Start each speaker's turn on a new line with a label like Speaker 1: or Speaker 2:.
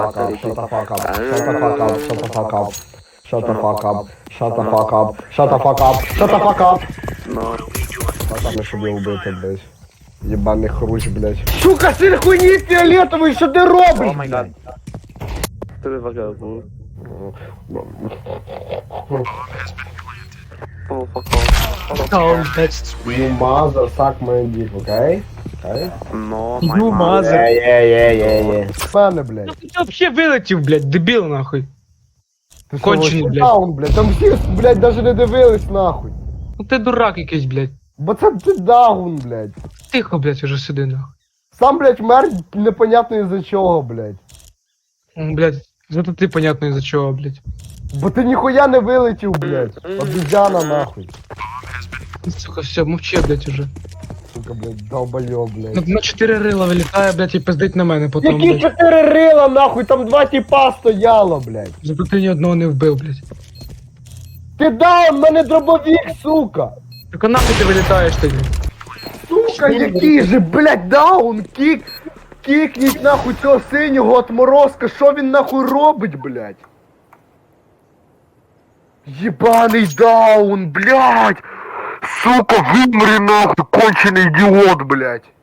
Speaker 1: fuck up, shut the fuck up, shut the fuck up, shut the fuck up. Shut the fuck up, shut the fuck up, shut the fuck up, shut the fuck up.
Speaker 2: Ну,
Speaker 1: Пацаны, щоб я убити, блядь. Єбаний хрущ, блядь. Сука, сир хуйні фіолетовий, що ти робиш,
Speaker 2: о май гад. Ти вагабу. О, фак.
Speaker 1: You mother suck my dick, окей? Окей?
Speaker 2: Ну,
Speaker 3: You
Speaker 2: май
Speaker 3: mother.
Speaker 1: Мене, блядь.
Speaker 3: Ну ти вообще вилетів, блядь, дебіл нахуй.
Speaker 1: Ти що,
Speaker 3: Кончений,
Speaker 1: вообще
Speaker 3: блядь.
Speaker 1: даун, блядь. Там всі, блядь, даже не дивились, нахуй.
Speaker 3: Ну ти дурак якийсь, блядь.
Speaker 1: Бо це ти даун, блядь.
Speaker 3: Тихо, блядь, уже сиди нахуй.
Speaker 1: Сам, блядь, мер непонятно із-за чого, блядь.
Speaker 3: Блядь, зато ти понятно із-за чого, блядь.
Speaker 1: Бо ти ніхуя не вилетів, блядь. Обізяна, нахуй.
Speaker 3: Сука, все, мовчи, блядь, уже.
Speaker 1: Сука, блядь, долбойоб, блядь.
Speaker 3: На 4 рила вилітає, блядь, і пиздить на мене потім,
Speaker 1: Які
Speaker 3: блядь.
Speaker 1: 4 рила, нахуй, там 2 тіпа стояло, блядь.
Speaker 3: Зато ти ні одного не вбив, блядь.
Speaker 1: Ти даун, мене дробовік, сука.
Speaker 3: Так а нахуй ти вилітаєш тоді?
Speaker 1: Сука, який же, блядь, даун, кікніть нахуй цього синього отморозка, що він нахуй робить, блядь? Єбаний даун, блядь! Сука, вимри нахуй, кончений ідіот, блядь!